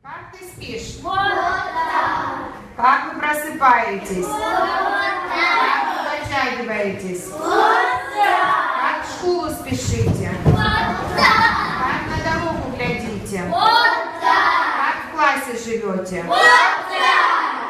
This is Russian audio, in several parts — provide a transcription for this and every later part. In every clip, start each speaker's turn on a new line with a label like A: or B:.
A: Как ты спишь?
B: Вот так.
A: Как вы просыпаетесь?
B: Вот так.
A: Как вы подтягиваетесь?
B: Вот так.
A: Как в школу спешите?
B: Вот так.
A: Как на дорогу глядите?
B: Вот так.
A: Как в классе живете?
B: Вот так.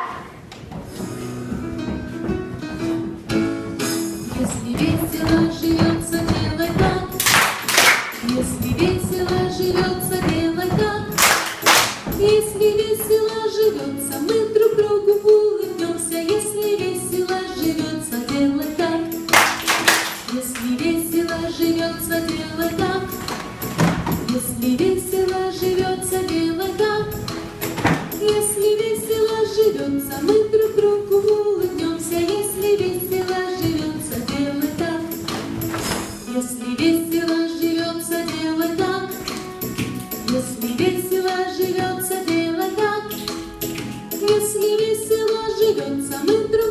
C: Если весело живется, делай так. Если весело живется, делай так. Если весело живется, мы друг другу улыбнемся. Если весело живется, делай так. Если весело живется, делай так. Если весело живется, делай так. Если весело живется, мы друг другу улыбнемся. Если весело живется, делай так. Если весело живется, делай так. Если весело живется, делай так. Если весело живется, мы друг